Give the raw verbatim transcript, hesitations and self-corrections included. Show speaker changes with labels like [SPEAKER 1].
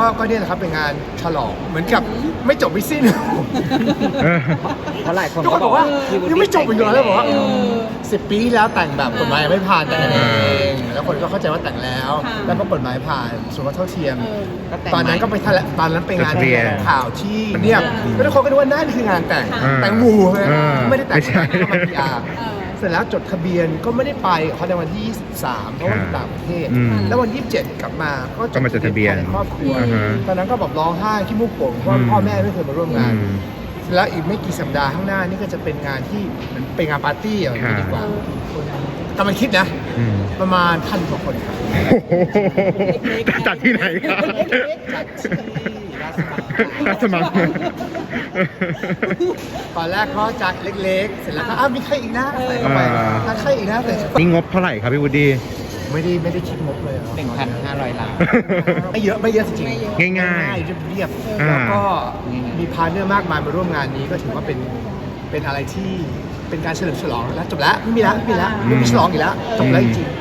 [SPEAKER 1] ก็ก็เนี่ยแหละครับเป็นงานฉลองเหมือนกับไม่จบไม่สิ้น
[SPEAKER 2] เออ
[SPEAKER 3] เพราะหลายคน
[SPEAKER 1] ทุกคนบอกว่า
[SPEAKER 3] พี่วุฒิ
[SPEAKER 1] ยังไม่จบอีกเหรอแล้วบอกว่า
[SPEAKER 4] เออ
[SPEAKER 1] สิบปีที่แล้วแต่งแบบกฎหมายยังไม่ผ่านแต่งกันเองแล้วคนก็เข้าใจว่าแต่งแล้ว
[SPEAKER 4] ค่ะ
[SPEAKER 1] แล้วก็กฎหมายผ่านสมรสเท่าเทียม
[SPEAKER 4] เออ
[SPEAKER 3] ก็แต่ง
[SPEAKER 1] ตอนนั้นก็ไปแถลงตอนนั้นไปงาน
[SPEAKER 2] จดทะเบียน
[SPEAKER 1] แถลงข่าวที่เนี่ยแล้วทุกคนก็นึกว่านั่นคืองานแต่ง
[SPEAKER 4] ค่ะ
[SPEAKER 1] แต่งหมู่เลย
[SPEAKER 2] เออ
[SPEAKER 1] ไม่ได้แต่ง
[SPEAKER 2] ไม่ใช่
[SPEAKER 1] เข้ามาพีอาร์
[SPEAKER 4] เออ
[SPEAKER 1] เสร็จแล้วจดทะเบียนก็ไม่ได้ไปเขาในวันที่ยี่สิบสามเพราะว่าอยู่ต่างประเทศ
[SPEAKER 2] อืม
[SPEAKER 1] แล้ววันที่ยี่สิบเจ็ดกลับมาก็
[SPEAKER 2] ก็มาจดทะเบียน
[SPEAKER 1] ภในครอบครัว
[SPEAKER 2] อ่าฮะ
[SPEAKER 1] ตอนนั้นก็แบบร้องไห้ขี้มูกโป่งเพราะว่า
[SPEAKER 2] อืม
[SPEAKER 1] พ่อแม่ไม่เคยมาร่วมงาน
[SPEAKER 2] อืม
[SPEAKER 1] แล้วอีกไม่กี่สัปดาห์ข้างหน้านี่ก็จะเป็นงานที่เหมือนเป็นงานปาร์ตี้อย่างนี้ดีกว่า
[SPEAKER 4] ค่ะ
[SPEAKER 1] กำลังคิดนะ
[SPEAKER 2] อืม
[SPEAKER 1] ประมาณพันกว่าคนครับ
[SPEAKER 2] โอ้โหจัดที่ไหนครับ
[SPEAKER 1] จัดที่ราชมัง
[SPEAKER 2] ราชมัง
[SPEAKER 1] ตอนแรกก็จัดเล็กๆ เสร็จแล้วก็อ้าวมีใครอีกนะใส่เข้าไป
[SPEAKER 2] อ่า
[SPEAKER 1] ถ้าใครอีกนะใส่
[SPEAKER 2] นี่งบเท่าไหร่ครับพี่วูดดี้
[SPEAKER 1] ไม่ได้ไม่ได้คิดงบเลยอะ
[SPEAKER 3] หนึ่งพันห้าร้อยล้าน
[SPEAKER 1] ไม่เยอะไม่เยอะจริง
[SPEAKER 4] ไม่เยอะ
[SPEAKER 1] ๆ
[SPEAKER 2] ง่าย
[SPEAKER 1] ๆเรียบๆ
[SPEAKER 2] อ่า
[SPEAKER 1] แล้วก็มีพาร์ทเนอร์มากมายมาร่วมงานนี้ก็ถือว่าเป็นเป็นอะไรที่เป็นการเฉลิมฉลองแล้วจบแล้วไม่มีแล้วไม่มีแล้วไม่มีฉลองอีกแล้วจบแล้วจริงๆ